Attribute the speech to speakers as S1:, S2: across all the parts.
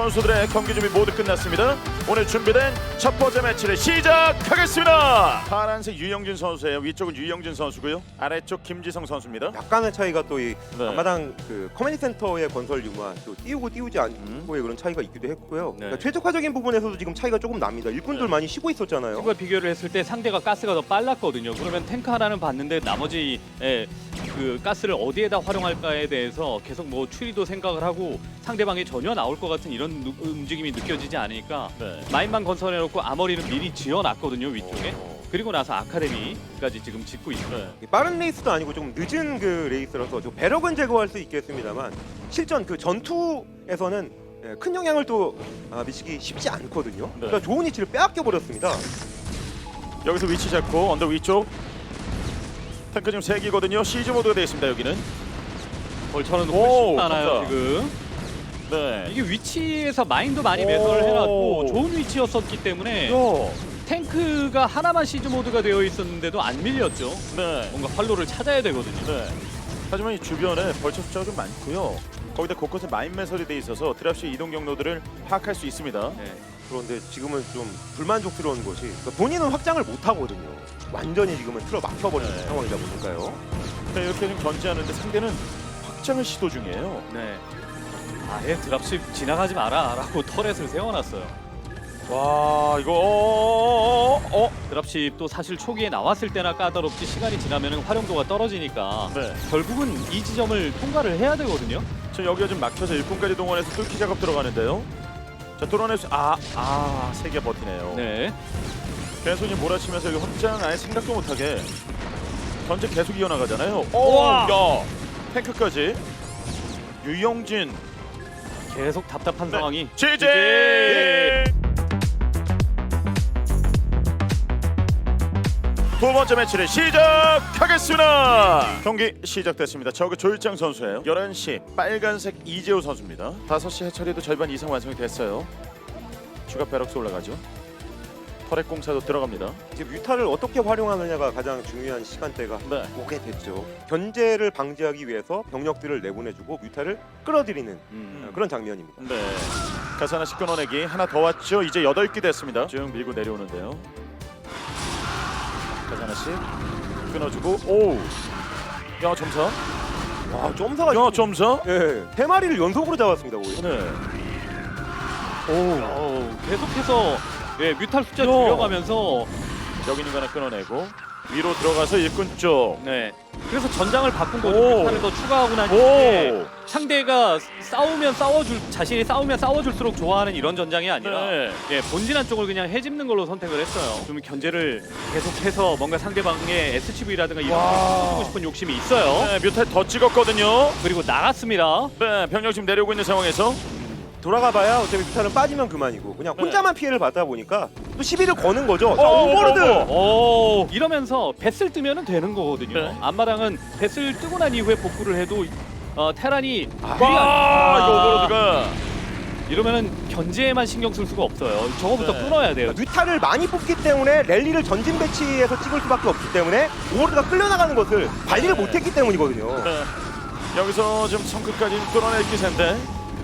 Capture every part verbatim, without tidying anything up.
S1: 선수들의 경기 준비 모두 끝났습니다. 오늘 준비된 첫 번째 매치를 시작하겠습니다. 파란색 유영진 선수예요. 위쪽은 유영진 선수고요. 아래쪽 김지성 선수입니다.
S2: 약간의 차이가 또 이
S1: 네.
S2: 앞마당 그 커뮤니티 센터의 건설 유무와 또 띄우고 띄우지 않고의
S1: 음.
S2: 그런 차이가 있기도 했고요.
S3: 네.
S2: 그러니까 최적화적인 부분에서도 지금 차이가 조금 납니다. 일꾼들
S1: 네.
S2: 많이 쉬고 있었잖아요.
S3: 과 비교를 했을 때 상대가 가스가 더 빨랐거든요. 그러면 탱크 하나는 봤는데 나머지 예, 그 가스를 어디에다 활용할까에 대해서 계속 뭐 추리도 생각을 하고 상대방이 전혀 나올 것 같은 이런 누, 움직임이 느껴지지 않으니까
S1: 네.
S3: 마인만 건설해놓고 아머리는 미리 지어놨거든요 위쪽에.
S1: 오.
S3: 그리고 나서 아카데미까지 지금 짓고 있어요.
S1: 네.
S2: 빠른 레이스도 아니고 조금 늦은 그 레이스라서 좀 배럭은 제거할 수 있겠습니다만 실전 그 전투에서는 예, 큰 영향을 또 아, 미치기 쉽지 않거든요.
S1: 네.
S2: 그러니까 좋은 위치를 빼앗겨 버렸습니다.
S1: 여기서 위치 잡고 언덕 위쪽 탱크 지금 세 개거든요. 시즈 모드가 되어 있습니다. 여기는.
S3: 벌처는
S1: 오,
S3: 훨씬 많아요
S1: 감사.
S3: 지금.
S1: 네.
S3: 이게 위치에서 마인도 많이
S1: 오.
S3: 매설을 해놨고 좋은 위치였었기 때문에
S1: 요.
S3: 탱크가 하나만 시즈 모드가 되어 있었는데도 안 밀렸죠.
S1: 네.
S3: 뭔가 활로를 찾아야 되거든요.
S1: 네. 하지만 이 주변에 벌처 숫자가 좀 많고요. 거기다 곳곳에 마인 매설이 돼 있어서 드랍시 이동 경로들을 파악할 수 있습니다.
S3: 네.
S2: 그런데 지금은 좀 불만족스러운 것이 그러니까 본인은 확장을 못 하거든요. 완전히 지금은 틀어 막혀버린
S1: 네.
S2: 상황이다 보니까요.
S1: 네, 이렇게 좀 견제하는데 상대는 확장을 시도 중이에요.
S3: 네. 아예 드랍십 지나가지 마라라고 터렛을 세워놨어요.
S1: 와 이거 어, 어, 어.
S3: 드랍십도 사실 초기에 나왔을 때나 까다롭지 시간이 지나면 활용도가 떨어지니까
S1: 네.
S3: 결국은 이 지점을 통과를 해야 되거든요.
S1: 저 여기가 좀 막혀서 일꾼까지 동원해서 뚫기 작업 들어가는데요. 자 뚫어낼 수 아아세 개 버티네요.
S3: 네.
S1: 계속 이 몰아치면서 여기 확장 아예 생각도 못하게 전체 계속 이어나가잖아요.
S3: 우와!
S1: 오야 탱크까지 유영진
S3: 계속 답답한
S1: 네.
S3: 상황이
S1: 지지. 두 번째 매치를 시작하겠습니다. 경기 시작됐습니다. 저그 조일장 선수예요. 열한 시 빨간색 이재호 선수입니다. 다섯 시 해처리도 절반 이상 완성이 됐어요. 추가 배럭스 올라가죠. 터렛 공사도 들어갑니다.
S2: 이제 뮤타를 어떻게 활용하느냐가 가장 중요한 시간대가
S1: 네.
S2: 오게 됐죠. 견제를 방지하기 위해서 병력들을 내보내주고 뮤타를 끌어들이는
S3: 음.
S2: 그런 장면입니다.
S1: 네. 가스 하나씩 끊어내기 하나 더 왔죠. 이제 여덟 개 됐습니다. 쭉 밀고 내려오는데요. 가스 하나씩 끊어주고 오. 야 점사.
S2: 와, 점사가
S1: 야 점사.
S2: 예, 세 마리를 연속으로 잡았습니다. 거의.
S1: 네. 오.
S3: 어, 계속해서 예, 뮤탈 숫자
S1: 야.
S3: 줄여가면서
S1: 여기 있는 거 하나 끊어내고 위로 들어가서 일꾼 쪽.
S3: 네. 그래서 전장을 바꾼 거죠.
S1: 오.
S3: 뮤탈을 더 추가하고 난 뒤에
S1: 오.
S3: 상대가 싸우면 싸워줄 자신이 싸우면 싸워줄수록 좋아하는 이런 전장이 아니라
S1: 네.
S3: 예, 본진한 쪽을 그냥 해집는 걸로 선택을 했어요. 좀 견제를 계속해서 뭔가 상대방의 에스씨브이라든가 이런
S1: 와.
S3: 걸 해주고 싶은 욕심이 있어요.
S1: 네, 뮤탈 더 찍었거든요.
S3: 그리고 나갔습니다.
S1: 네, 병력 지금 내려오고 있는 상황에서
S2: 돌아가봐야 어차피 뮤타는 빠지면 그만이고 그냥
S1: 네.
S2: 혼자만 피해를 받다 보니까 또 시비를 거는 거죠. 자,
S1: 어,
S2: 오버로드.
S1: 어,
S3: 오, 이러면서 뱃을 뜨면 되는 거거든요.
S1: 네.
S3: 앞마당은 뱃을 뜨고 난 이후에 복구를 해도 어, 테란이
S2: 아,
S3: 유리한-
S1: 와, 이거 오버로드가
S3: 이러면은 견제에만 신경 쓸 수가 없어요. 저거부터
S1: 네.
S3: 끊어야 돼요.
S2: 그러니까 뮤타를 많이 뽑기 때문에 랠리를 전진 배치해서 찍을 수밖에 없기 때문에 오버로드가 끌려나가는 것을 관리를
S1: 네.
S2: 못했기 때문이거든요.
S1: 네. 여기서 지금 성크까지 뚫어낼 기세인데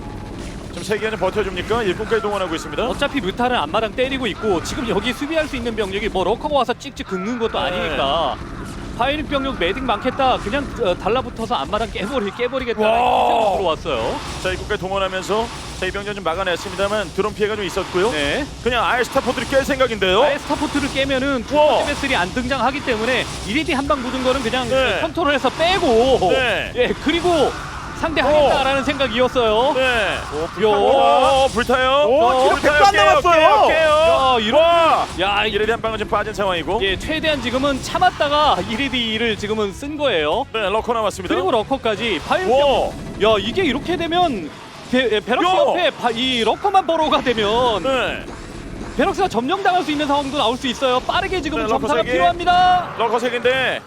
S1: 지금 세 개는 버텨줍니까? 일꾼까지 동원하고 있습니다.
S3: 어차피 뮤타는 앞마당 때리고 있고 지금 여기 수비할 수 있는 병력이 뭐 러커가 와서 찍찍 긁는 것도
S1: 네.
S3: 아니니까 바이닉 병력 매딩 많겠다 그냥 어, 달라붙어서 앞마당 깨버리, 깨버리겠다
S1: 와.
S3: 이 생각 들어왔어요.
S1: 자, 일꾼까지 동원하면서 자, 이병전 좀 막아냈습니다만 드론 피해가 좀 있었고요.
S3: 네.
S1: 그냥 아예 스타포트를 깰 생각인데요.
S3: 아예 스타포트를 깨면은 두
S1: 와.
S3: 번째 배슬이 안 등장하기 때문에 일일이 한 방 묻은 거는 그냥
S1: 네.
S3: 컨트롤해서 빼고
S1: 네.
S3: 예 그리고 상대하겠다라는 생각이었어요.
S1: 네.
S3: 요.
S1: 오, 불타요.
S2: 오,
S1: 어,
S2: 지금
S1: 불타요.
S2: 백도 안
S1: 깨요,
S2: 남았어요.
S1: 깨요, 깨요.
S3: 야, 이런-
S1: 와.
S3: 야 이-
S1: 이레디 한 방은 지금 빠진 상황이고.
S3: 예 최대한 지금은 참았다가 일이디를 지금은 쓴 거예요.
S1: 네, 러커 남았습니다.
S3: 그리고 러커까지 파이어.
S1: 와.
S3: 야 이게 이렇게 되면 베, 베럭스
S1: 야.
S3: 옆에 바, 이 러커만 버로가 되면
S1: 네.
S3: 베럭스가 점령당할 수 있는 상황도 나올 수 있어요. 빠르게 지금
S1: 네, 러커
S3: 점사가
S1: 세 개.
S3: 필요합니다.
S1: 러커 색인데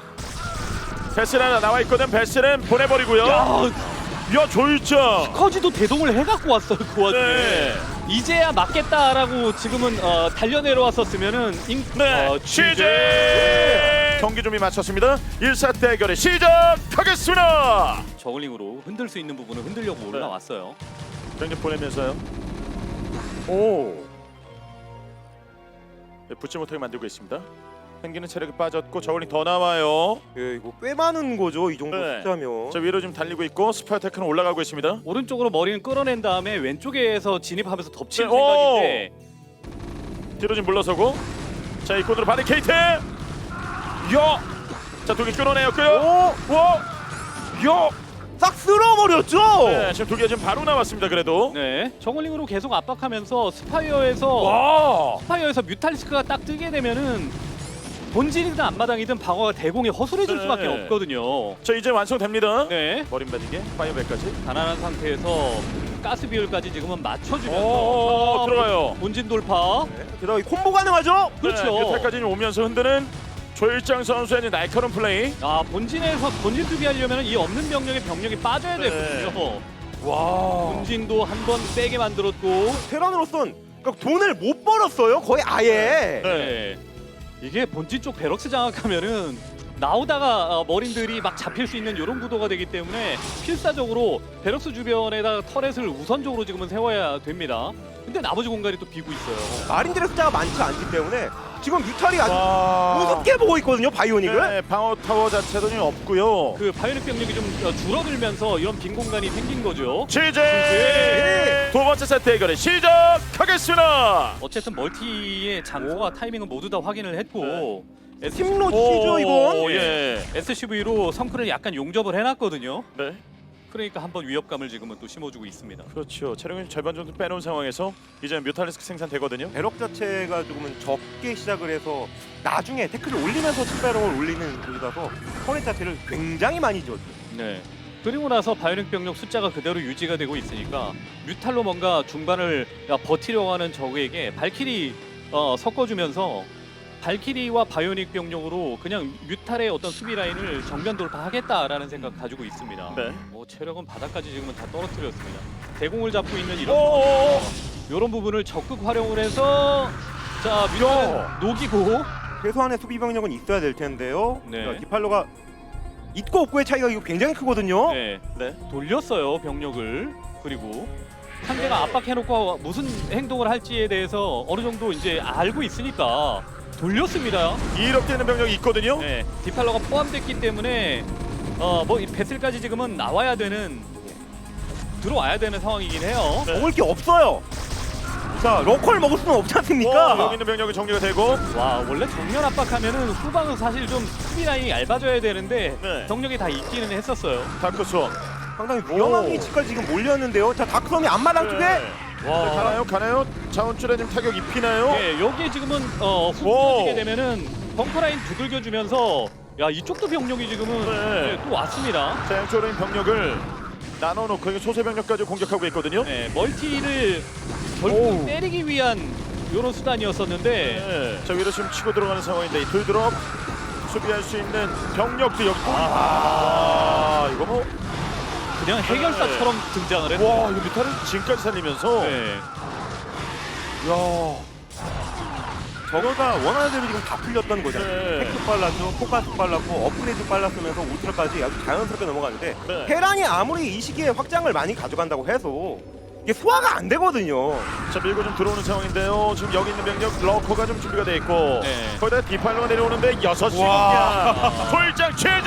S1: 베스는 하나 나와 있거든. 베스는 보내버리고요.
S3: 야
S1: 야, 조일장.
S3: 커지도 대동을 해갖고 왔어요 그 와중에.
S1: 네.
S3: 이제야 맞겠다라고 지금은 어, 달려 내려왔었으면은 인,
S1: 네.
S3: 어,
S1: 시제. 경기 준비 마쳤습니다. 일 사 대결이 시작하겠습니다.
S3: 저글링으로 흔들 수 있는 부분을 흔들려고 올라왔어요.
S1: 경기 보내면서요. 오. 네, 붙지 못하게 만들고 있습니다. 펭귄은 체력이 빠졌고 저울링 더 나와요.
S2: 예, 이거 꽤 많은 거죠. 이 정도
S1: 네.
S2: 숫자면.
S1: 저 위로 지금 달리고 있고 스파이테크는 올라가고 있습니다.
S3: 오른쪽으로 머리는 끌어낸 다음에 왼쪽에서 진입하면서 덮칠
S1: 네,
S3: 생각인데
S1: 뒤로 지금 물러서고 자 이 코드로 바리케이트. 야. 자 두 개 끌어내요. 끄요.
S2: 오!
S1: 와.
S2: 야! 싹 쓸어버렸죠.
S1: 네, 지금 두 개 지금 바로 나왔습니다. 그래도.
S3: 네, 저글링으로 계속 압박하면서 스파이어에서
S1: 와.
S3: 스파이어에서 뮤탈리스크가 딱 뜨게 되면은 본질이든 앞마당이든 방어가 대공에 허술해질
S1: 네.
S3: 수밖에 없거든요.
S1: 자 이제 완성됩니다.
S3: 네,
S1: 머린 바디게 파이어백까지.
S3: 가난한 상태에서 가스 비율까지 지금은 맞춰주면서
S1: 오,
S3: 아,
S1: 들어가요.
S3: 본진 돌파.
S2: 네, 게다가 이 콤보 가능하죠.
S3: 그렇죠.
S1: 네, 뮤탈까지 오면서 흔드는 조일장 선수의 날카로운 플레이.
S3: 아, 본진에서 본진 투기하려면 이 없는 병력의 병력이 빠져야
S1: 네.
S3: 되거든요.
S1: 와.
S3: 본진도 한 번 세게 만들었고.
S2: 테란으로선 그러니까 돈을 못 벌었어요. 거의 아예.
S1: 네.
S3: 네. 이게 본진 쪽 베럭스 장악하면은 나오다가 어, 머린들이 막 잡힐 수 있는 이런 구도가 되기 때문에 필사적으로 베럭스 주변에다가 터렛을 우선적으로 지금은 세워야 됩니다. 근데 나머지 공간이 또 비고 있어요.
S2: 마린들의 숫자가 많지 않기 때문에 지금 뮤탈이 아주
S1: 와.
S2: 우습게 보고 있거든요. 바이오닉을.
S1: 네, 방어 타워 자체도 지금 없고요.
S3: 그 바이오닉 병력이 좀 어, 줄어들면서 이런 빈 공간이 생긴 거죠.
S1: 시제 두 번째 세트 대결을 시작하겠습니다.
S3: 어쨌든 멀티의 장소와 타이밍은 모두 다 확인을 했고
S2: 팀로 치죠 이건.
S1: 오, 예.
S3: 에스씨브이로 성크를 약간 용접을 해놨거든요.
S1: 네.
S3: 그러니까 한번 위협감을 지금은 또 심어주고 있습니다.
S1: 그렇죠. 체력을 절반 정도 빼놓은 상황에서 이제 뮤탈리스크 생산되거든요.
S2: 배럭 자체가 조금은 적게 시작을 해서 나중에 태클을 올리면서 숫배럭을 올리는 쪽이라서 터렛 자체를 굉장히 많이 줬죠.
S3: 네. 그리고 나서 바이오닉 병력 숫자가 그대로 유지가 되고 있으니까 뮤탈로 뭔가 중반을 야, 버티려고 하는 적에게 발키리 어, 섞어주면서 발키리와 바이오닉 병력으로 그냥 뮤탈의 어떤 수비 라인을 정면 돌파하겠다라는 생각 가지고 있습니다.
S1: 네.
S3: 뭐 체력은 바닥까지 지금은 다 떨어뜨렸습니다. 대공을 잡고 있는 이런
S1: 오.
S3: 이런 부분을 적극 활용을 해서 자 뮤탈은 녹이고
S2: 최소한의 수비 병력은 있어야 될 텐데요.
S3: 네.
S2: 그러니까 디팔로가 있고 없고의 차이가 이거 굉장히 크거든요.
S3: 네,
S1: 네.
S3: 돌렸어요 병력을. 그리고 상대가 압박해놓고 무슨 행동을 할지에 대해서 어느 정도 이제 알고 있으니까 돌렸습니다.
S1: 이렇게 있는 병력이 있거든요.
S3: 네, 디팔러가 포함됐기 때문에 어뭐 배슬까지 지금은 나와야 되는 들어와야 되는 상황이긴 해요.
S1: 네.
S2: 먹을 게 없어요. 자, 러컬 먹을 수는 없지 않습니까?
S1: 오, 여기 있는 병력이 정리가 되고.
S3: 와 원래 정면 압박하면은 후방은 사실 좀 수비 라인이 얇아져야 되는데
S1: 네.
S3: 병력이 다 있기는 했었어요.
S1: 다크스원.
S2: 상당히 위험한
S1: 오.
S2: 위치까지 지금 몰렸는데요. 자, 다크섬이 앞마당 쪽에
S1: 와. 네, 가나요? 가나요? 자원줄에 지금 타격 입히나요?
S3: 네, 여기에 지금은 어, 훅
S1: 오.
S3: 터지게 되면은 벙커 라인 두들겨주면서 야 이쪽도 병력이 지금은
S1: 네.
S3: 네, 또 왔습니다.
S1: 자, 양쪽으로 있는 병력을 나눠놓고 이게 소세 병력까지 공격하고 있거든요.
S3: 네, 멀티를
S1: 오.
S3: 결국 때리기 위한 이런 수단이었었는데
S1: 네. 자, 위로 지금 치고 들어가는 상황인데 이 돌드롭 수비할 수 있는 병력도 여기. 아, 이거 뭐.
S3: 그냥 해결사처럼 등장을 했어요.
S1: 와, 이거 뮤타를 지금까지 살리면서.
S3: 네.
S1: 야.
S2: 저거가 원하는 대로 지금 다 풀렸던 거잖아요.
S1: 네.
S2: 팩트 빨랐죠, 포커스 빨랐고, 업그레이드 빨랐으면서 울트라까지 아주 자연스럽게 넘어가는데
S1: 네.
S2: 테란이 아무리 이 시기에 확장을 많이 가져간다고 해도 이게 소화가 안 되거든요.
S1: 자, 밀고 좀 들어오는 상황인데요. 지금 여기 있는 병력 러커가 좀 준비가 돼 있고.
S3: 네.
S1: 거기다 디팔로가 내려오는데 여섯
S2: 와.
S1: 시입니다. 돌장 체제.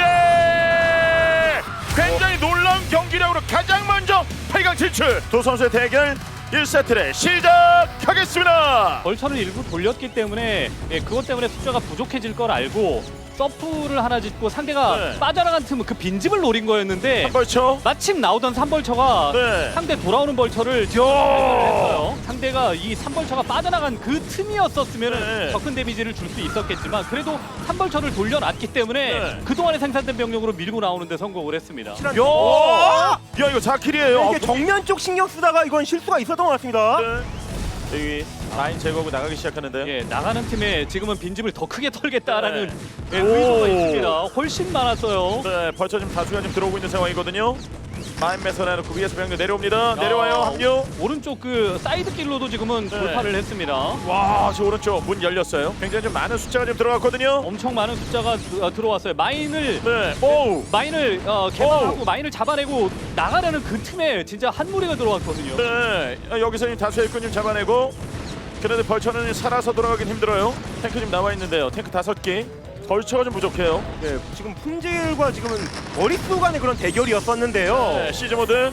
S1: 굉장히 놀라운 경기력으로 가장 먼저 팔 강 진출. 두 선수의 대결 일 세트를 시작하겠습니다.
S3: 벌처를 일부 돌렸기 때문에 예, 그것 때문에 숫자가 부족해질 걸 알고 서프를 하나 짓고 상대가
S1: 네.
S3: 빠져나간 틈은 그 빈집을 노린 거였는데
S1: 한 벌쳐.
S3: 마침 나오던 삼벌처가
S1: 네.
S3: 상대 돌아오는 벌처를 지금 발견을 했어요. 상대가 이 삼벌처가 빠져나간 그 틈이었었으면
S1: 네.
S3: 더 큰 데미지를 줄 수 있었겠지만 그래도 삼벌처를 돌려놨기 때문에
S1: 네.
S3: 그동안에 생산된 병력으로 밀고 나오는데 성공을 했습니다.
S1: 야, 야 이거 사 킬이에요.
S2: 이게 정면 쪽 신경 쓰다가 이건 실수가 있었던 것 같습니다.
S1: 네. 여기 라인 제거하고 나가기 시작하는데요.
S3: 예, 나가는 팀에 지금은 빈집을 더 크게 털겠다라는
S1: 네.
S3: 예,
S1: 오.
S3: 의도가 있습니다. 훨씬 많았어요.
S1: 네, 벌써 지금 다수가 지금 들어오고 있는 상황이거든요. 마인메서 내놓고 위에서 병력 내려옵니다.
S3: 야,
S1: 내려와요. 합류.
S3: 오른쪽 그 사이드 길로도 지금은
S1: 네.
S3: 돌파를 했습니다.
S1: 와, 저 오른쪽 문 열렸어요. 굉장히 좀 많은 숫자가 좀 들어갔거든요.
S3: 엄청 많은 숫자가 드- 어, 들어왔어요. 마인을
S1: 네. 오.
S3: 마인을 어, 개방하고 마인을 잡아내고 나가려는 그 틈에 진짜 한 무리가 들어왔거든요.
S1: 네. 아, 여기서 이 다수의 일꾼 좀 잡아내고. 그런데 벌처는 살아서 돌아가긴 힘들어요. 탱크 지금 나와 있는데요. 탱크 다섯 개. 벌처가 좀 부족해요.
S2: 네, 지금 품질과 지금은 머릿수 간의 그런 대결이었었는데요.
S1: 네. 시즈 모드.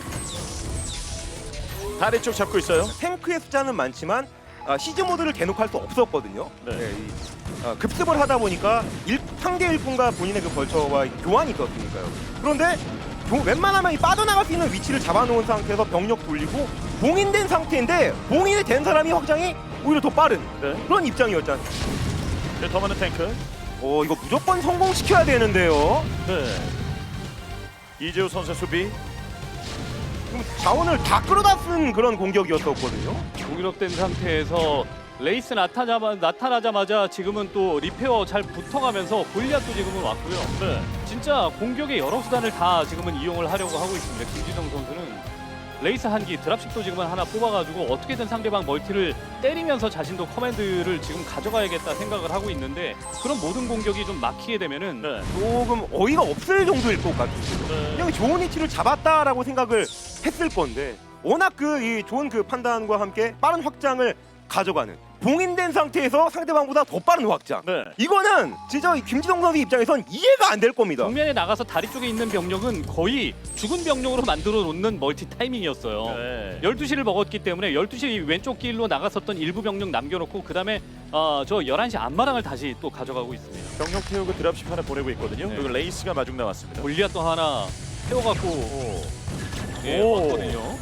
S1: 다리 쪽 잡고 있어요.
S2: 탱크의 숫자는 많지만 아, 시즈 모드를 대놓고 할 수 없었거든요.
S1: 네.
S2: 네, 이, 아, 급습을 하다 보니까 일, 상대 일꾼과 본인의 그 벌처와 교환이 있었으니까요. 그런데 교- 웬만하면 이 빠져나갈 수 있는 위치를 잡아놓은 상태에서 병력 돌리고 봉인된 상태인데 봉인이 된 사람이 확장이 오히려 더 빠른
S1: 네.
S2: 그런 입장이었잖아요.
S1: 네, 더 많은 탱크.
S2: 어 이거 무조건 성공시켜야 되는데요.
S1: 네. 이재우 선수 수비.
S2: 지금 자원을 다 끌어다 쓴 그런 공격이었었거든요.
S3: 공유력된 상태에서 레이스 나타나자마, 나타나자마자 지금은 또 리페어 잘 붙어가면서 골리앗도 지금은 왔고요.
S1: 네.
S3: 진짜 공격의 여러 수단을 다 지금은 이용을 하려고 하고 있습니다. 김지성 선수는 레이스 한기 드랍식도 지금은 하나 뽑아가지고 어떻게든 상대방 멀티를 때리면서 자신도 커맨드를 지금 가져가야겠다 생각을 하고 있는데 그런 모든 공격이 좀 막히게 되면은
S1: 네.
S2: 조금 어이가 없을 정도일 것 같아요.
S1: 네.
S2: 그냥 좋은 위치를 잡았다라고 생각을 했을 건데 워낙 그 이 좋은 그 판단과 함께 빠른 확장을 가져가는 봉인된 상태에서 상대방보다 더 빠른 확장.
S1: 네.
S2: 이거는 진짜 이 김지성 선수 입장에선 이해가 안 될 겁니다.
S3: 정면에 나가서 다리 쪽에 있는 병력은 거의 죽은 병력으로 만들어 놓는 멀티 타이밍이었어요.
S1: 네.
S3: 열두 시를 먹었기 때문에 열두 시 왼쪽 길로 나갔었던 일부 병력 남겨놓고 그 다음에 어, 저 열한 시 앞마당을 다시 또 가져가고 있습니다.
S1: 병력 태우고 드랍십 하나 보내고 있거든요.
S3: 네.
S1: 그리고 레이스가 마중 나왔습니다.
S3: 골리앗도 하나 태워갖고 예,
S1: 오.
S3: 왔거든요.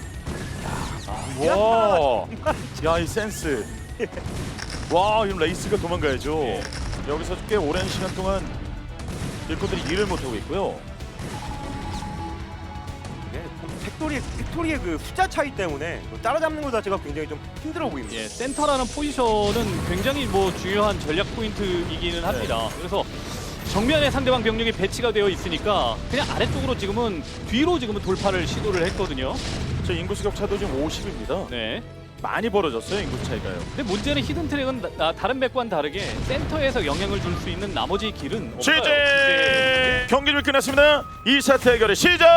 S1: 와, 야 이 센스. 와, 지금 레이스가 도망가야죠.
S3: 예.
S1: 여기서 꽤 오랜 시간 동안 일꾼들이 일을 못 하고 있고요.
S2: 네, 팩토리의, 팩토리의 그 숫자 차이 때문에 따라잡는 것 자체가 굉장히 좀 힘들어 보입니다.
S3: 예, 센터라는 포지션은 굉장히 뭐 중요한 전략 포인트이기는 합니다. 그래서 정면에 상대방 병력이 배치가 되어 있으니까 그냥 아래쪽으로 지금은 뒤로 지금은 돌파를 시도를 했거든요.
S1: 저 인구수 격차도 지금 오십입니다.
S3: 네.
S1: 많이 벌어졌어요, 인구수 차이가요.
S3: 근데 문제는 히든 트랙은 나- 나- 다른 백과는 다르게 센터에서 영향을 줄 수 있는 나머지 길은 없어요.
S1: 시제 경기 좀 끝났습니다. 이 사 대결을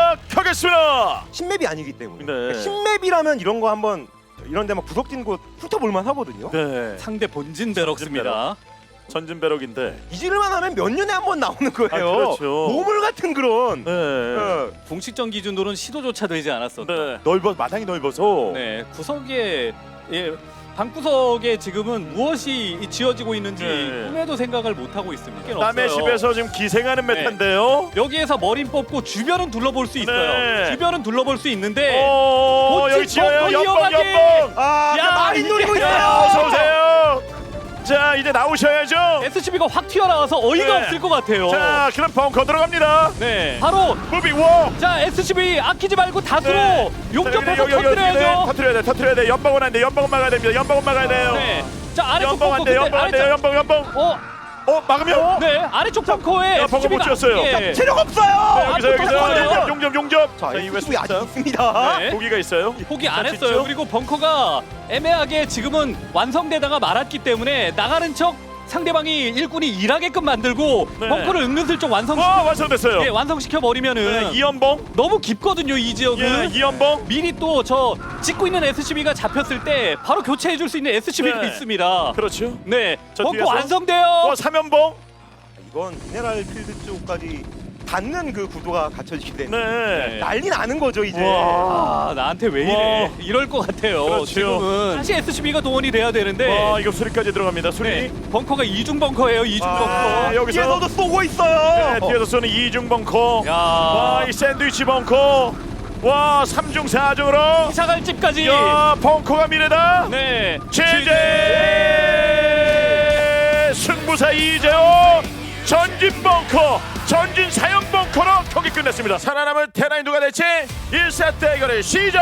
S1: 시작하겠습니다.
S2: 신맵이 아니기 때문에.
S1: 네.
S2: 그러니까 신맵이라면 이런 거 한번 이런 데 막 구석진 곳 훑어볼만 하거든요.
S1: 네,
S3: 상대 본진 베럭스입니다.
S1: 전진 배럭인데.
S2: 잊을만 하면 몇 년에 한 번 나오는 거예요.
S1: 아, 그렇죠.
S2: 보물 같은 그런.
S1: 네,
S2: 어,
S3: 공식전 기준으로는 시도조차 되지 않았었던.
S1: 네. 넓어 마당이 넓어서.
S3: 네, 구석에 예, 방구석에 지금은 무엇이 지어지고 있는지
S1: 네.
S3: 꿈에도 생각을 못 하고 있습니다.
S1: 남의
S3: 없어요.
S1: 집에서 지금 기생하는 메타인데요.
S3: 여기에서 머린 뽑고 주변은 둘러볼 수 있어요.
S1: 네.
S3: 주변은 둘러볼 수 있는데
S1: 오,
S3: 본진
S1: 여기 지어요.
S3: 벙커
S1: 연봉,
S3: 이어가기!
S1: 연봉.
S2: 아,
S3: 야,
S2: 많이
S3: 이게-
S2: 노리고
S1: 야,
S2: 있어요.
S1: 어서 오세요. 자, 이제 나오셔야죠.
S3: 에스씨비가 확 튀어나와서 어이가
S1: 네.
S3: 없을 것 같아요.
S1: 자, 그럼 벙커 들어갑니다.
S3: 네, 바로
S1: 무비 워.
S3: 자 에스씨비 아끼지 말고 다수로
S1: 네.
S3: 용접해서
S1: 여기, 여기, 여기, 네,
S3: 터뜨려야죠.
S1: 터뜨려야 돼, 터뜨려야 돼. 연봉은 안 돼. 연봉은 막아야 됩니다. 연봉은 막아야 돼요.
S3: 네, 자 아래쪽
S1: 연봉 안
S3: 벙커
S1: 돼.
S3: 근데
S1: 연봉 안 돼요.
S3: 아래쪽
S1: 연봉, 연봉.
S3: 어,
S1: 어, 막으면.
S3: 네 아래쪽 벙커에
S1: 야, 벙커 못 지었어요.
S3: 예.
S2: 체력 없어요.
S1: 네, 여기서 여기서
S3: 터뜨려요.
S1: 용접, 용접, 용접.
S2: 자,
S1: 이후에
S2: 에스씨비 아직
S1: 숫자.
S2: 있습니다.
S3: 네.
S1: 고기가 있어요.
S3: 포기 안
S1: 자,
S3: 했어요.
S1: 짓죠?
S3: 그리고 벙커가 애매하게 지금은 완성되다가 말았기 때문에 나가는 척 상대방이 일꾼이 일하게끔 만들고
S1: 네.
S3: 벙커를 은근슬쩍 완성
S1: 와, 완성됐어요.
S3: 예, 완성시켜 버리면은
S1: 네, 이연봉.
S3: 너무 깊거든요 이 지역은.
S1: 예, 이연봉.
S3: 미리 또 저 찍고 있는 에스씨비가 잡혔을 때 바로 교체해 줄 수 있는 에스씨비가
S1: 네.
S3: 있습니다.
S1: 그렇죠.
S3: 네,
S1: 저
S3: 벙커
S1: 뒤에서?
S3: 완성돼요.
S1: 어, 삼연봉.
S2: 이건 미네랄 필드 쪽까지 닿는 그 구도가 갖춰지기 때문에
S1: 네.
S2: 난리 나는 거죠 이제.
S1: 와.
S3: 아 나한테 왜
S1: 와.
S3: 이래? 이럴 것 같아요.
S1: 그렇죠.
S3: 지금은 다시 에스씨비가 동원이 돼야 되는데.
S1: 와, 이거 수리까지 들어갑니다. 수리.
S3: 네, 벙커가 이중 벙커예요. 이중
S1: 아,
S3: 벙커.
S1: 여기서
S2: 뒤에서도 쏘고 있어요.
S1: 네, 뒤에서 쏘는 이중 벙커.
S3: 야,
S1: 와, 이 샌드위치 벙커. 와, 삼중 사중으로.
S3: 이사갈집까지.
S1: 야, 벙커가 미래다.
S3: 네,
S1: 제제 승부사 이재호 전진 벙커 전진 사형 벙커로 경기 끝냈습니다. 살아남은 테라인 누가 될지 일 사 대결을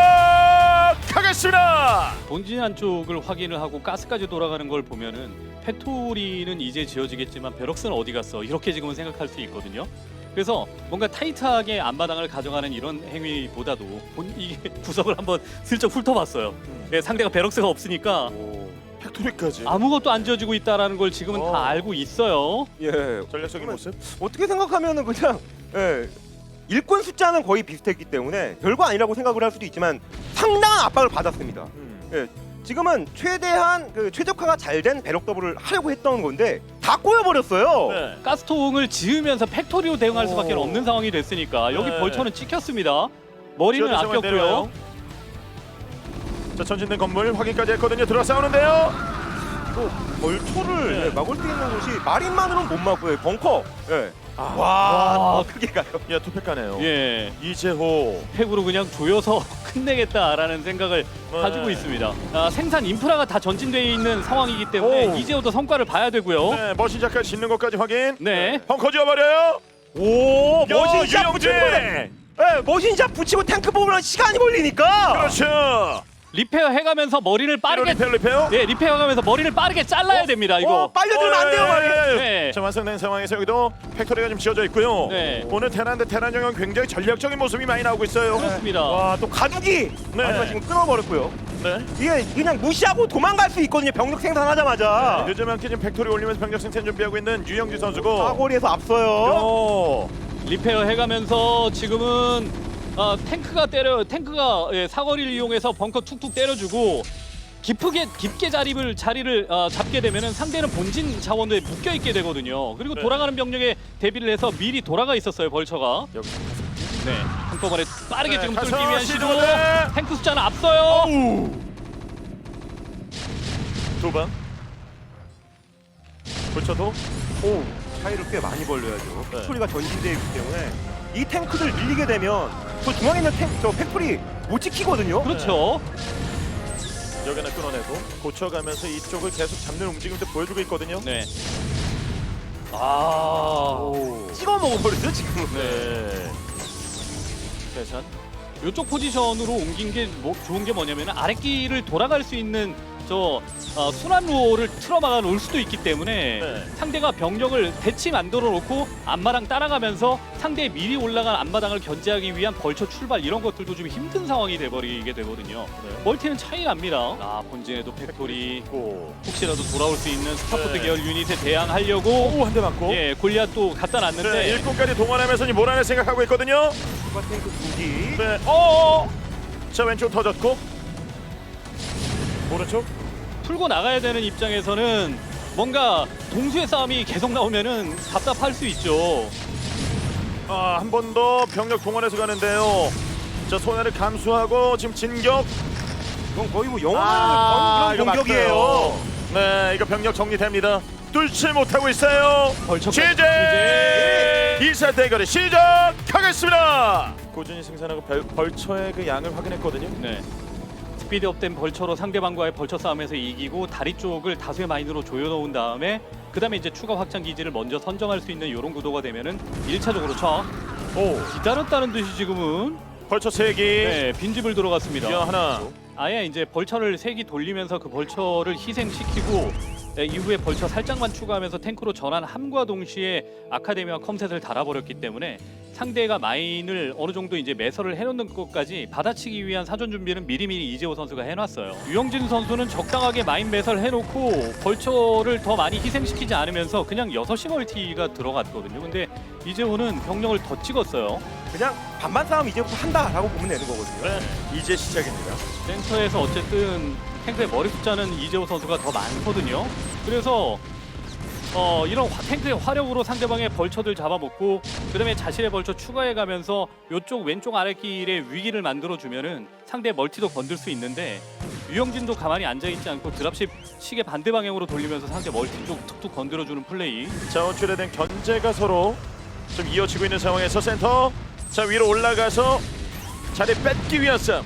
S1: 시작하겠습니다.
S3: 본진 안쪽을 확인을 하고 가스까지 돌아가는 걸 보면은 팩토리는 이제 지어지겠지만 베럭스는 어디 갔어? 이렇게 지금은 생각할 수 있거든요. 그래서 뭔가 타이트하게 앞마당을 가져가는 이런 행위보다도 본, 이게 구석을 한번 슬쩍 훑어봤어요.
S1: 음.
S3: 예, 상대가 베럭스가 없으니까
S1: 오, 팩토리까지.
S3: 아무것도 안 지어지고 있다라는 걸 지금은
S1: 어.
S3: 다 알고 있어요.
S2: 예.
S1: 전략적인 모습.
S2: 어떻게 생각하면은 그냥 예. 일꾼 숫자는 거의 비슷했기 때문에 별거 아니라고 생각을 할 수도 있지만 상당한 압박을 받았습니다.
S1: 음.
S2: 예. 지금은 최대한 그 최적화가 잘 된 배럭 더블을 하려고 했던 건데 다 꼬여버렸어요.
S1: 네.
S3: 가스통을 지으면서 팩토리로 대응할 수밖에
S1: 오.
S3: 없는 상황이 됐으니까 여기
S1: 네.
S3: 벌처는 찍혔습니다. 머리는
S1: 지어진 상황
S3: 아꼈고요.
S1: 내려와요. 자, 전진된 건물 확인까지 했거든요. 들어와 싸우는데요.
S2: 또 벌초를
S1: 네.
S2: 예, 막을 수 있는 곳이 마린만으로는 못 막고요. 벙커. 예.
S1: 아,
S2: 와,
S3: 와.
S2: 크게 가요.
S1: 야, 투팩 가네요.
S3: 예,
S1: 이재호.
S3: 팩으로 그냥 조여서 끝내겠다라는 생각을
S1: 네.
S3: 가지고 있습니다. 아, 생산 인프라가 다 전진되어 있는 상황이기 때문에
S1: 오.
S3: 이제부터 성과를 봐야 되고요.
S1: 네, 머신샷까지 짓는 것까지 확인.
S3: 네.
S1: 벙커 지어버려요.
S2: 오, 머신샷
S1: 유영진.
S2: 붙이고, 예, 머신샷 붙이고 탱크 뽑으면 시간이 걸리니까.
S1: 그렇죠.
S3: 리페어 해가면서 머리를 빠르게
S1: 리페어 리페어.
S3: 네, 리페어가면서 머리를 빠르게 잘라야 됩니다. 이거.
S2: 어, 빨려들면 안 돼요,
S1: 어, 예,
S2: 말이에요.
S1: 예, 예.
S3: 네.
S1: 자, 완성된 상황에서 여기도 팩토리가 좀 지어져 있고요.
S3: 네.
S1: 오늘 테란 대 테란 영역 굉장히 전략적인 모습이 많이 나오고 있어요.
S3: 그렇습니다.
S2: 와, 또 가두기.
S1: 네.
S2: 마지막 지금 끊어버렸고요.
S1: 네.
S2: 이게 그냥 무시하고 도망갈 수 있거든요. 병력 생산하자마자.
S1: 요즘 함께 지금 팩토리 올리면서 병력 생산 준비하고 있는 유영진 선수고.
S2: 사거리에서 앞서요.
S1: 오.
S3: 리페어 해가면서 지금은 아, 탱크가 때려 탱크가 예, 사거리를 이용해서 벙커 툭툭 때려주고 깊게 깊게 자리를 자리를 어, 잡게 되면은 상대는 본진 자원에 묶여 있게 되거든요. 그리고
S1: 네.
S3: 돌아가는 병력에 대비를 해서 미리 돌아가 있었어요 벌처가.
S1: 여기.
S3: 네, 한꺼번에 빠르게
S1: 네,
S3: 지금
S1: 가서
S3: 뚫기 위한 시도.
S1: 시도네.
S3: 탱크 숫자는 앞서요.
S1: 오우. 두 방. 붙여도.
S2: 오, 차이를 꽤 많이 벌려야죠.
S1: 네.
S2: 팩토리가 전진되어 있기 때문에 이 탱크들 밀리게 되면 저 중앙에 있는 탱, 저 팩토리 못 지키거든요.
S3: 그렇죠.
S1: 여기 하나 끊어내고 고쳐가면서 이쪽을 계속 잡는 움직임도 보여주고 있거든요.
S3: 네. 아.
S1: 오.
S2: 찍어 먹어버렸죠 지금은.
S1: 네. 계산.
S3: 이쪽 포지션으로 옮긴 게 뭐, 좋은 게 뭐냐면 아랫길을 돌아갈 수 있는 저 어, 순환로를 틀어막아 놓을 수도 있기 때문에
S1: 네.
S3: 상대가 병력을 대치 만들어 놓고 앞마당 따라가면서 상대의 미리 올라간 앞마당을 견제하기 위한 벌처 출발 이런 것들도 좀 힘든 상황이 돼버리게 되거든요.
S1: 네.
S3: 멀티는 차이 납니다. 아 본진에도 팩토리
S1: 고.
S3: 혹시라도 돌아올 수 있는 스타포트
S1: 네.
S3: 계열 유닛에 대항하려고
S1: 오, 한 대 맞고.
S3: 예 골리앗 또 갖다 놨는데
S1: 네, 일꾼까지 동원하면서 이 몰아낼 생각하고 있거든요.
S2: 추가 탱크 두 기.
S1: 네. 어. 자, 왼쪽 터졌고. 오른쪽.
S3: 풀고 나가야 되는 입장에서는 뭔가 동수의 싸움이 계속 나오면은 답답할 수 있죠.
S1: 아, 한 번 더 병력 동원해서 가는데요. 자, 손해를 감수하고 지금 진격.
S2: 이건 거의 뭐 영화를
S1: 아,
S2: 거는 그런 공격이에요.
S1: 맞아요. 네, 이거 병력 정리됩니다. 뚫지 못하고 있어요.
S3: 벌처까지
S1: 취재 이사 대결이 시작하겠습니다. 꾸준히 생산하고 벌, 벌처의 그 양을 확인했거든요.
S3: 네. 스피드업된 벌처로 상대방과의 벌처 싸움에서 이기고 다리 쪽을 다수의 마인으로 조여놓은 다음에 그 다음에 이제 추가 확장 기지를 먼저 선정할 수 있는 이런 구도가 되면은 일차적으로 쳐
S1: 오,
S3: 기다렸다는 듯이 지금은
S1: 벌처 세 기.
S3: 네, 빈집을 들어갔습니다.
S1: 야, 하나.
S3: 아예 이제 벌처를 세 기 돌리면서 그 벌처를 희생시키고 네, 이후에 벌처 살짝만 추가하면서 탱크로 전환함과 동시에 아카데미와 컴셋을 달아버렸기 때문에 상대가 마인을 어느 정도 이제 매설을 해놓는 것까지 받아치기 위한 사전 준비는 미리미리 이재호 선수가 해놨어요. 유영진 선수는 적당하게 마인 매설 해놓고 벌처를 더 많이 희생시키지 않으면서 그냥 여섯 시 멀티가 들어갔거든요. 근데 이재호는 병력을 더 찍었어요.
S2: 그냥 반반 싸움 이제부터 한다라고 보면 되는 거거든요.
S1: 네, 이제 시작입니다.
S3: 센터에서 어쨌든 탱크의 머리 숫자는 이재호 선수가 더 많거든요. 그래서 어, 이런 화, 탱크의 화력으로 상대방의 벌처들 잡아먹고 그다음에 자신의 벌처 추가해가면서 이쪽 왼쪽 아랫길에 위기를 만들어주면은 상대의 멀티도 건들 수 있는데 유영진도 가만히 앉아있지 않고 드랍십 시계 반대 방향으로 돌리면서 상대 멀티 쪽 툭툭 건드려주는 플레이.
S1: 자원줄에 대한 견제가 서로 좀 이어지고 있는 상황에서 센터. 자, 위로 올라가서 자리 뺏기 위한 싸움.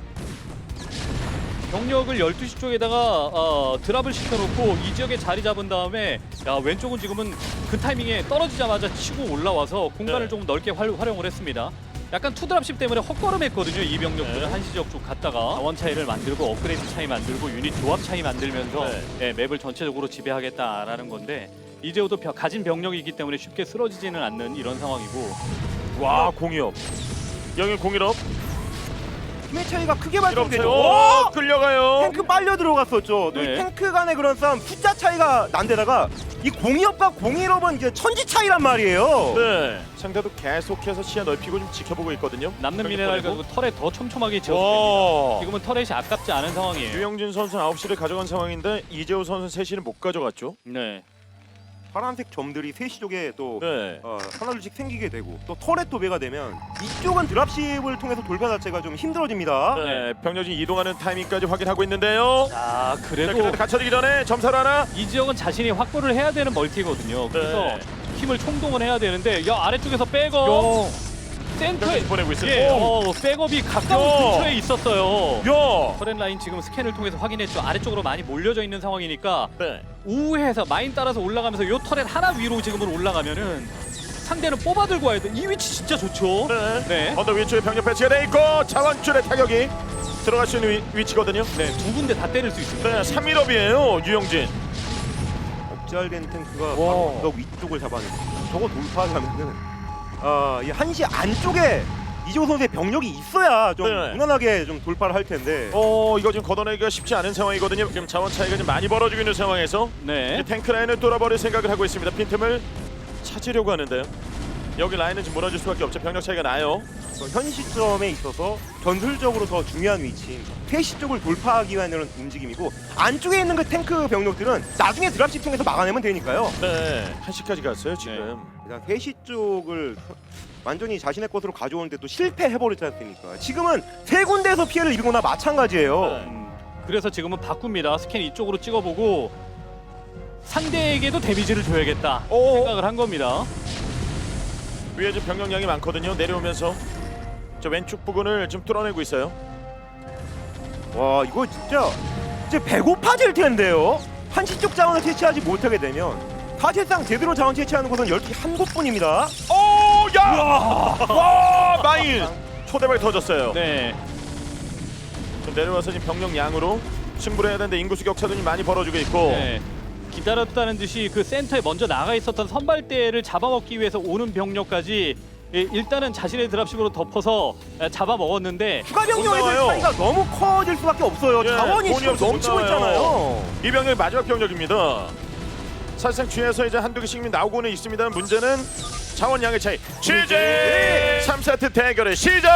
S3: 병력을 열두 시 쪽에다가 어, 드랍을 시켜놓고 이 지역에 자리 잡은 다음에 야 왼쪽은 지금은 그 타이밍에 떨어지자마자 치고 올라와서 공간을
S1: 네.
S3: 조금 넓게 활, 활용을 했습니다. 약간 투드랍십 때문에 헛걸음했거든요. 이 병력들은
S1: 네.
S3: 한시 지역 쪽 갔다가 자원 차이를 만들고 업그레이드 차이 만들고 유닛 조합 차이 만들면서
S1: 네.
S3: 네, 맵을 전체적으로 지배하겠다라는 건데 이재호도 벼- 가진 병력이기 때문에 쉽게 쓰러지지는 않는 이런 상황이고.
S1: 와 공이업. 영일 공일업.
S2: 힘의 차이가 크게
S1: 이렇게
S2: 발생되죠.
S1: 오!
S2: 오!
S1: 끌려가요.
S2: 탱크 빨려 들어갔었죠. 또 이
S3: 네.
S2: 탱크 간의 그런 싸움 숫자 차이가 난데다가 이 공이업과 공일업은 이제 천지 차이란 말이에요.
S1: 네. 상대도 계속해서 시야 넓히고 좀 지켜보고 있거든요.
S3: 남는
S1: 경기
S3: 미네랄
S1: 보내고.
S3: 가지고 털에 더 촘촘하게 지었습니다.
S1: 와.
S3: 지금은 터렛이 아깝지 않은 상황이에요.
S1: 유영진 선수는 아홉 시를 가져간 상황인데 이재호 선수는 세 시를 못 가져갔죠.
S3: 네.
S2: 파란색 점들이 세 시 쪽에 또
S1: 네.
S2: 어, 하나둘씩 생기게 되고 또 터렛 도배가 되면 이쪽은 드랍십을 통해서 돌파 자체가 좀 힘들어집니다.
S1: 네. 병력이 이동하는 타이밍까지 확인하고 있는데요.
S3: 자,
S1: 자,
S3: 그래도
S1: 그래도 갇혀지기 전에 점사를 하나.
S3: 이 지역은 자신이 확보를 해야 되는 멀티거든요. 그래서
S1: 네.
S3: 힘을 총동원 해야 되는데 야 아래쪽에서 백업 센터에
S1: 병력이 보내고 있어요.
S3: 예,
S1: 오.
S3: 어, 백업이 가까운
S1: 야.
S3: 근처에 있었어요.
S1: 야.
S3: 터렛 라인 지금 스캔을 통해서 확인했죠. 아래쪽으로 많이 몰려져 있는 상황이니까
S1: 네.
S3: 우회해서 마인 따라서 올라가면서 요 터렛 하나 위로 지금은 올라가면은 상대는 뽑아 들고 와야 돼. 이 위치 진짜 좋죠.
S1: 네.
S3: 네.
S1: 언덕 위쪽에 병력 배치가 돼 있고 자원줄의 타격이 들어갈 수 있는 위, 위치거든요.
S3: 네, 두 군데 다 때릴 수 있습니다.
S1: 네, 삼 일업이에요 유영진.
S2: 억제된 탱크가
S1: 와.
S2: 바로 언덕 위쪽을 잡아내고 저거 돌파하려면은 아, 이 한시 안쪽에 이재호 선수의 병력이 있어야 좀
S1: 네.
S2: 무난하게 좀 돌파를 할 텐데
S1: 어 이거 지금 걷어내기가 쉽지 않은 상황이거든요. 지금 자원 차이가 좀 많이 벌어지고 있는 상황에서
S3: 네.
S1: 이제 탱크 라인을 뚫어버릴 생각을 하고 있습니다. 빈틈을 찾으려고 하는데요. 여기 라인은 지금 무너질 수밖에 없죠. 병력 차이가 나요.
S2: 어, 현 시점에 있어서 전술적으로 더 중요한 위치인 폐시 쪽을 돌파하기 위한 이런 움직임이고 안쪽에 있는 그 탱크 병력들은 나중에 드랍십 통해서 막아내면 되니까요.
S1: 네, 한시까지 갔어요 지금.
S2: 일단 회시 쪽을 완전히 자신의 것으로 가져오는데 또 실패해버렸지 않습니까? 지금은 세 군데에서 피해를 입은 거나 마찬가지예요.
S1: 네.
S3: 음, 그래서 지금은 바꿉니다. 스캔 이쪽으로 찍어보고 상대에게도 데미지를 줘야겠다
S1: 오.
S3: 생각을 한 겁니다.
S1: 위에 지금 병력량이 많거든요. 내려오면서 저 왼쪽 부근을 좀 뚫어내고 있어요.
S2: 와 이거 진짜 이제 배고파질 텐데요. 한시 쪽 자원을 채취하지 못하게 되면 사실상 제대로 자원 채취하는 곳은 열두 개 한 곳뿐입니다.
S1: 오, 야! 와, 마인 초대박이 터졌어요.
S3: 네.
S1: 좀 내려와서 지금 병력 양으로 승부를 해야 되는데 인구수 격차도 좀 많이 벌어지고 있고.
S3: 네. 기다렸다는 듯이 그 센터에 먼저 나가 있었던 선발대를 잡아먹기 위해서 오는 병력까지 예, 일단은 자신의 드랍십으로 덮어서 예, 잡아먹었는데
S2: 추가 병력의
S1: 나와요.
S2: 차이가 너무 커질 수밖에 없어요.
S1: 예,
S2: 자원이
S1: 돈이
S2: 지금
S1: 없어서 못
S2: 넘치고
S1: 나와요.
S2: 있잖아요.
S1: 이 병력이 마지막 병력입니다. 사실상 뒤에서 이제 한두 개씩 나오고는 있습니다. 문제는 자원량의 차이. 취재 삼 세트 대결을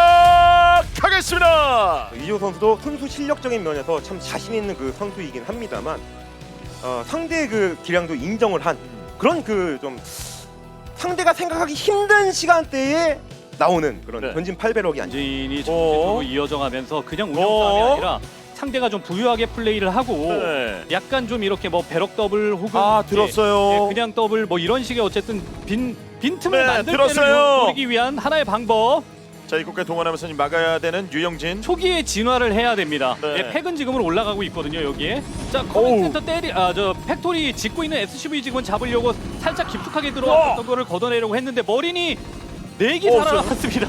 S1: 시작하겠습니다.
S2: 이재호 선수도 선수 실력적인 면에서 참 자신 있는 그 선수이긴 합니다만 어, 상대의 그 기량도 인정을 한 그런 그 좀 상대가 생각하기 힘든 시간대에 나오는 그런
S1: 네.
S2: 전진 팔 배럭이 아니죠.
S3: 전진이
S1: 오.
S3: 전진으로 이어져가면서 그냥 운영
S1: 오.
S3: 싸움이 아니라 상대가 좀 부유하게 플레이를 하고
S1: 네.
S3: 약간 좀 이렇게 뭐 배럭 더블 혹은
S1: 아,
S3: 예,
S1: 들었어요.
S3: 예, 그냥 더블 뭐 이런 식의 어쨌든 빈 빈틈을
S1: 네,
S3: 만들
S1: 들었어요.
S3: 때를 노리기 위한 하나의 방법.
S1: 자, 이곳까지 동원하면서 지금 막아야 되는 유영진.
S3: 초기에 진화를 해야 됩니다.
S1: 네.
S3: 예, 팩은 지금은 올라가고 있거든요 여기에. 자 커맨센터 때리 아저 팩토리 짓고 있는 에스씨브이 지금은 잡으려고 살짝 깊숙하게 들어왔던 거를 걷어내려고 했는데 머린이 네기
S1: 오,
S3: 살아났습니다.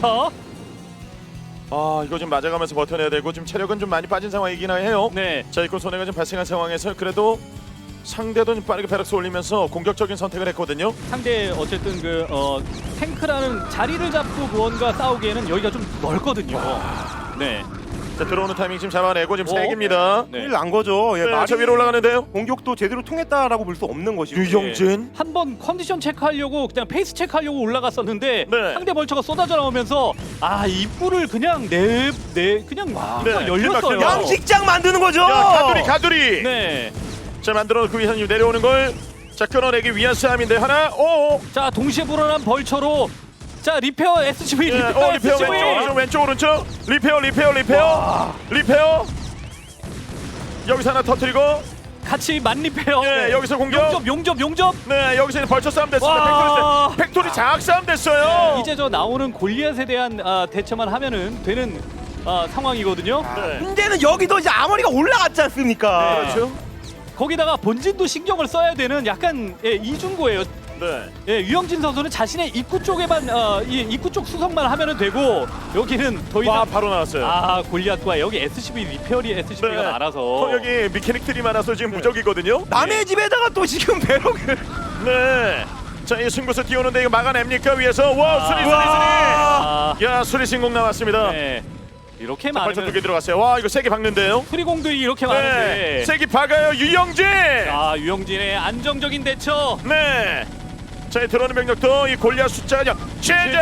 S1: 아, 이거 좀 맞아가면서 버텨내야 되고 지금 체력은 좀 많이 빠진 상황이긴 해요.
S3: 네.
S1: 자, 이거 손해가 좀 발생한 상황에서 그래도 상대도 좀 빠르게 베럭스 올리면서 공격적인 선택을 했거든요.
S3: 상대 어쨌든 그 어, 탱크라는 자리를 잡고 무언가 싸우기에는 여기가 좀 넓거든요. 네.
S1: 자, 들어오는 타이밍 지금 잡아내고 지금
S3: 어?
S1: 세 개입니다.
S3: 네.
S2: 큰일 난 거죠. 예,
S1: 네,
S2: 말이
S1: 저 위로 올라가는데요.
S2: 공격도 제대로 통했다라고 볼 수 없는 것이고.
S1: 유영진.
S3: 한번 컨디션 체크하려고 그냥 페이스 체크하려고 올라갔었는데
S1: 네.
S3: 상대 벌처가 쏟아져 나오면서 아 입구를 그냥 내 내 그냥 와
S1: 네,
S3: 열렸어요.
S1: 길막, 길막.
S2: 양식장 만드는 거죠.
S1: 야, 가두리 가두리.
S3: 네.
S1: 자, 만들어 그 위에서 내려오는 걸 자, 끊어내기 위한 싸움인데 하나. 오.
S3: 자 동시에 불어난 벌처로 자 리페어 에스씨브이
S1: 예,
S3: 리페어
S1: 어, 리페어
S3: 에스씨브이
S1: 왼쪽 오른쪽 왼쪽 오른쪽. 리페어 리페어 리페어. 리페어. 여기서 하나 터뜨리고
S3: 같이 만리페어.
S1: 예, 여기서 공격.
S3: 용접 용접 용접.
S1: 네, 여기서 이제 벌쳐 싸움 됐습니다.
S3: 와.
S1: 팩토리, 팩토리 장악 싸움 됐어요.
S3: 이제 저 나오는 골리앗에 대한 아, 대처만 하면은 되는 아, 상황이거든요.
S1: 네.
S2: 문제는 여기도 이제 아머리가 올라갔지 않습니까?
S1: 그렇죠.
S3: 거기다가 본진도 신경을 써야 되는 약간 예, 이중고예요.
S1: 네.
S3: 예, 유영진 선수는 자신의 입구 쪽에만 어, 이 입구 쪽 수성만 하면은 되고 여기는 더 이상
S1: 와, 바로 나왔어요.
S3: 아 골리앗과 여기 에스씨브이 리페어리 에스씨브이가
S1: 네.
S3: 많아서
S1: 어, 여기 미케닉들이 많아서 지금 무적이거든요.
S2: 남의 집에다가 또 지금 배럭을
S1: 네. 자, 이 승부수 띄우는데 이거 막아냅니까 위에서? 와, 수리 수리
S3: 아,
S1: 수리. 야, 수리 신공 나왔습니다.
S3: 네. 이렇게
S1: 벌써 두 개
S3: 많은
S1: 들어갔어요. 와, 이거 세게 박는데요.
S3: 프리공들이 이렇게
S1: 네.
S3: 많은데.
S1: 세게 박아요, 유영진.
S3: 아, 유영진의 안정적인 대처.
S1: 네. 자, 이 들어오는 병력도 이 골리앗 숫자가 제재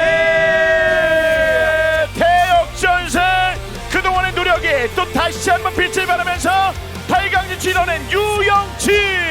S1: 대역전승. 그동안의 노력이 또 다시 한번 빛을 발하면서 팔 강 진출해낸 유영진.